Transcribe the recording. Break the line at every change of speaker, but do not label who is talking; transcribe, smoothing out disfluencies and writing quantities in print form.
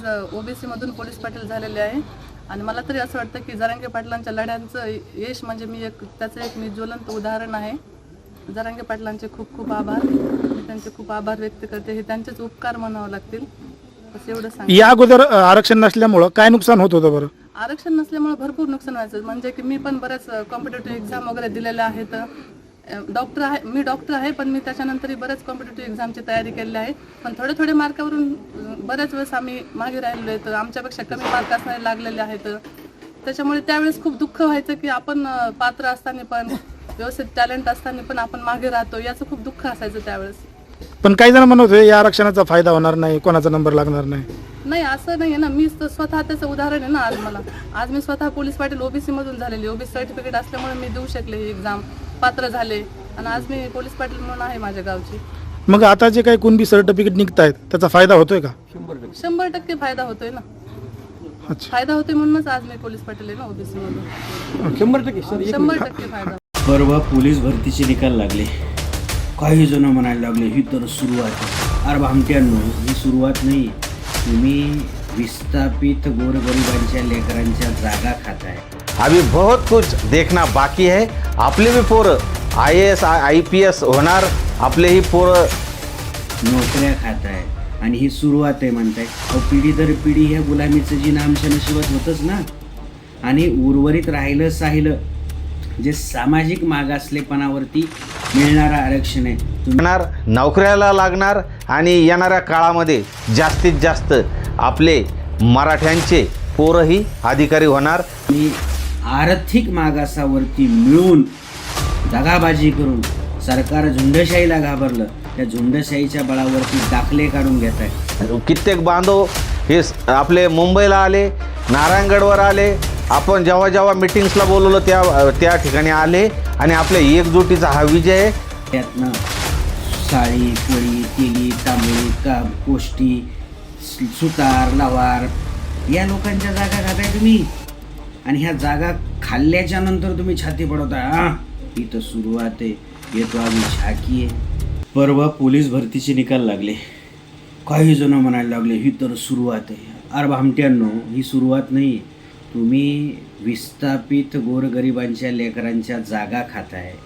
OBC मधून police Patil झालेले आहे आणि मला तरी असं वाटतं की जरांगे पाटलांच्या लढ्यांचं यश म्हणजे त्याचं एक मी ज्वलंत उदाहरण आहे. जरांगे पाटलांचे खूप खूप आभार. मी त्यांचे खूप आभार व्यक्त करते. हे त्यांचेच उपकार म्हणावं लागतील. बस एवढं सांग.
या अगोदर आरक्षण नसल्यामुळं काय नुकसान होत होतं बरं?
आरक्षण नसल्यामुळे भरपूर नुकसान व्हायचं. म्हणजे की मी पण बऱ्याच कॉम्पिटेटिव्ह एक्झाम वगैरे दिलेल्या आहेत. मी डॉक्टर आहे, पण मी त्याच्यानंतरही बऱ्याच कॉम्पिटेटिव्ह एक्झामची तयारी केलेली आहे. पण थोडे मार्कावरून बऱ्याच वेळेस आम्ही मागे राहिलो आहेत. आमच्यापेक्षा कमी मार्क असणारे लागलेले आहेत. त्याच्यामुळे त्यावेळेस खूप दुःख व्हायचं की आपण पात्र असताना पण व्यवस्थित टॅलेंट असताना पण आपण मागे राहतो, याचं खूप दुःख असायचं त्यावेळेस.
पण काही जण म्हणत होते या आरक्षणाचा फायदा होणार नाही, कोणाचा नंबर लागणार नाही.
नाही, असं नाही आहे ना. मी स्वतः त्याचं उदाहरण आहे ना. आज मी स्वतः पोलीस पाटील ओबीसी मधून झालेली. ओबीसी सर्टिफिकेट असल्यामुळे मी देऊ शकले ही एक्झाम, पात्र झाले आणि आज मी पोलीस पाटील म्हणून आहे माझ्या गावची.
मग आता जे काही कुणबी सर्टिफिकेट निघतायत त्याचा फायदा होतोय का?
100% फायदा होतोय ना.
अच्छा,
फायदा होतोय म्हणूनच आज मी पोलीस पाटील आहे ना ओबीसी मधून. 100% फायदा.
परवा पोलीस भरतीचे निकाल लागले. काही जण म्हणायला लागले ही तर सुरुवात आहे. अरे भामट्यांनो, ही सुरुवात नाही. तुम्ही विस्थापित गोरगरिबांच्या लेकरांच्या जागा खाताय.
अभी बहुत कुछ देखना बाकी है. आपले भी पोरं IAS IPS होणार. आपलेही पोरं
नोकऱ्या खाताय आणि ही सुरुवात आहे म्हणताय. पिढी दर पिढी ह्या गुलामीचं जी आमच्या नशिबात होतंच ना. आणि उर्वरित राहिलं जे सामाजिक मागासलेपणावरती मिळणारं आरक्षण आहे.
येणार, नोकऱ्याला लागणार आणि येणाऱ्या काळामध्ये जास्तीत जास्त आपले मराठ्यांचे पोरंही अधिकारी होणार.
आणि आर्थिक मागासावरती मिळून दगाबाजी करून सरकार झुंडशाहीला घाबरलं. त्या झुंडशाहीच्या बळावरती दाखले काढून घेत आहे.
कित्येक बांधव हे आपले मुंबईला आले, नारायणगडवर आले. आपण जेव्हा मिटिंग्सला बोलवलं त्या ठिकाणी आले आणि आपल्या एकजुटीचा हा विजय आहे.
त्यातनं साळी, कोळी, तेली, तांबळी, कोष्टी, सुतार, लवार या लोकांच्या जागा खाताय तुम्ही. आणि ह्या जागा खाल्ल्याच्या नंतर तुम्ही छाती पडवताय. ही तर सुरुवात आहे, येतो आम्ही झाकी आहे. परवा पोलीस भरतीचे निकाल लागले. काही जण म्हणायला लागले ही तर सुरुवात आहे. अरे भामट्यांनो, ही सुरुवात नाही. तुम्ही विस्थापित गोरगरिबांच्या लेकरांच्या जागा खाताय.